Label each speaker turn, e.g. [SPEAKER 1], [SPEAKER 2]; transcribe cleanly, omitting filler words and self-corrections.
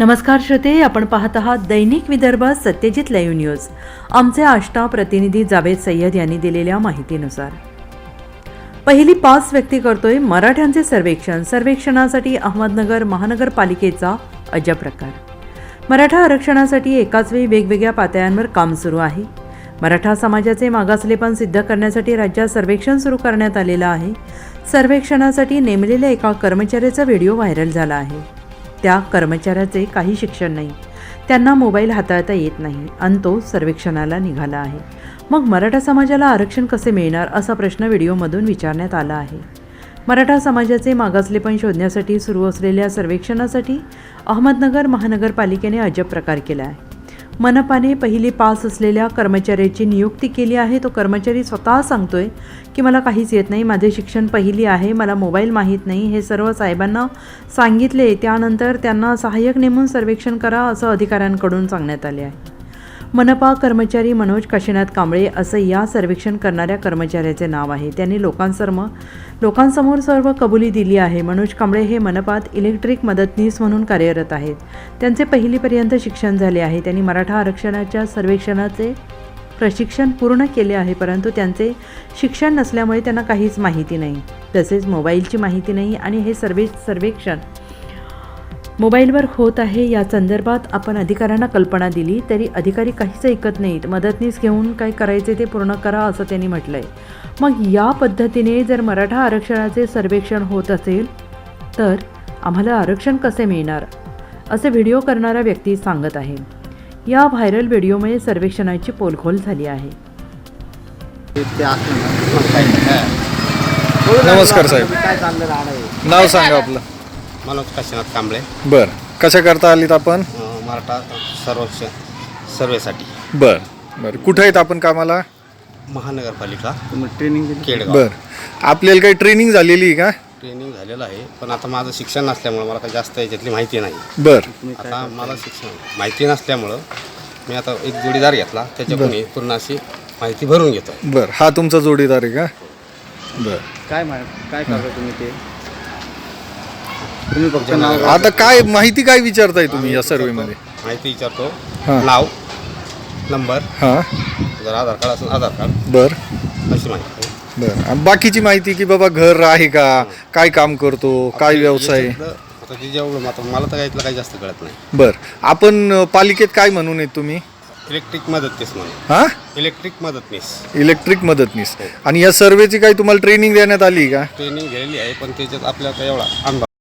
[SPEAKER 1] नमस्कार श्रोते, आपण पाहत आहात दैनिक विदर्भ सत्यजित लाईव्ह न्यूज। आमचे आष्टा प्रतिनिधी जावेद सय्यद यांनी दिलेल्या माहितीनुसार पहिली 5 व्यक्ती करतोय मराठ्यांचे सर्वेक्षण। सर्वेक्षणासाठी अहमदनगर महानगरपालिकेचा अजब प्रकार। मराठा आरक्षणासाठी एकाच वेळी वेगवेगळ्या पातळ्यांवर काम सुरू आहे। मराठा समाजाचे मागासलेपण सिद्ध करण्यासाठी राज्यात सर्वेक्षण सुरू करण्यात आलेलं आहे। सर्वेक्षणासाठी नेमलेल्या एका कर्मचाऱ्याचा व्हिडिओ व्हायरल झाला आहे। त्या कर्मचाऱ्याचे काही शिक्षण नाही, त्यांना मोबाईल हाताळता येत नाही आणि तो सर्वेक्षणाला निघाला आहे। मग मराठा समाजाला आरक्षण कसे मिळणार असा प्रश्न व्हिडिओमधून विचारण्यात आला आहे। मराठा समाजाचे मागासलेपण शोधण्यासाठी सुरू असलेल्या सर्वेक्षणासाठी अहमदनगर महानगरपालिकेने अजब प्रकार केला आहे। मनपाने पहिली 5 असलेल्या कर्मचाऱ्याची नियुक्ती केली आहे। तो कर्मचारी स्वतः सांगतोय की मला काहीच येत नाही, माझे शिक्षण पहिली आहे, मला मोबाईल माहीत नाही। हे सर्व साहेबांना सांगितले, त्यानंतर त्यांना सहाय्यक नेमून सर्वेक्षण करा असं अधिकाऱ्यांकडून सांगण्यात आले आहे। मनपा कर्मचारी मनोज काशीनाथ कांबळे असं या सर्वेक्षण करणाऱ्या कर्मचाऱ्याचे नाव आहे। त्यांनी लोकांसमोर सर्व कबुली दिली आहे। मनोज कांबळे हे मनपात इलेक्ट्रिक मदतनीस म्हणून कार्यरत आहेत। त्यांचे पहिलीपर्यंत शिक्षण झाले आहे। त्यांनी मराठा आरक्षणाच्या सर्वेक्षणाचे प्रशिक्षण पूर्ण केले आहे, परंतु त्यांचे शिक्षण नसल्यामुळे त्यांना काहीच माहिती नाही, तसेच मोबाईलची माहिती नाही आणि हे सर्वेक्षण मोबाईलवर होत आहे। या संदर्भात आपण अधिकाऱ्यांना कल्पना दिली तरी अधिकारी काहीच ऐकत नाहीत। मदतनीस घेऊन काय करायचे ते पूर्ण करा असं त्यांनी म्हटलंय। मग या पद्धतीने जर मराठा आरक्षणाचे सर्वेक्षण होत असेल तर आम्हाला आरक्षण कसे मिळणार असे व्हिडिओ करणारा व्यक्ती सांगत आहे। या व्हायरल व्हिडिओमुळे सर्वेक्षणाची पोलखोल झाली आहे।
[SPEAKER 2] नमस्कार साहेब, नाव सांगा आपलं?
[SPEAKER 3] मनोज काशीनाथ कांबळे।
[SPEAKER 2] बर, कशा करता आलीत आपण?
[SPEAKER 3] मराठा सर्वेसाठी।
[SPEAKER 2] बर बर, कुठे आहेत आपण कामाला?
[SPEAKER 3] महानगरपालिका ट्रेनिंग केडगाव।
[SPEAKER 2] बर, आपल्याला काही ट्रेनिंग झालेली आहे का?
[SPEAKER 3] ट्रेनिंग झालेलं आहे, पण आता माझं शिक्षण नसल्यामुळं मला काही जास्त याच्यातली माहिती नाही।
[SPEAKER 2] बर,
[SPEAKER 3] आता मला शिक्षण माहिती नसल्यामुळं मी आता एक जोडीदार घेतला, त्याच्याकडून पूर्ण अशी माहिती भरून घेतो।
[SPEAKER 2] बर, हा तुमचा जोडीदार आहे का? बर,
[SPEAKER 4] काय करता तुम्ही ते? तुम्ही फक्त नाव
[SPEAKER 2] आता काय माहिती काय विचारताय तुम्ही या सर्वेमध्ये?
[SPEAKER 3] माहिती विचारतो,
[SPEAKER 2] हां.
[SPEAKER 3] नाव, नंबर,
[SPEAKER 2] हां,
[SPEAKER 3] जर आधार कार्ड असेल आधार कार्ड,
[SPEAKER 2] बर
[SPEAKER 3] अशी माहिती।
[SPEAKER 2] बर, आणि बाकीची माहिती की बाबा घर आहे का, काय काम करतो, काय व्यवसाय?
[SPEAKER 3] आता ते जेवढं आता मला तर यातलं काही जास्त कळत नाही।
[SPEAKER 2] बर, आपण पालिकेत काय म्हणून आहेत तुम्ही?
[SPEAKER 3] इलेक्ट्रिक मदतनीस म्हणून।
[SPEAKER 2] हां,
[SPEAKER 3] इलेक्ट्रिक मदतनीस।
[SPEAKER 2] इलेक्ट्रिक मदतनीस। आणि या सर्वेची काही तुम्हाला ट्रेनिंग देण्यात आली का?
[SPEAKER 3] ट्रेनिंग घेतलेली आहे, पण त्याच्यात आपल्याला एवढा अनुभव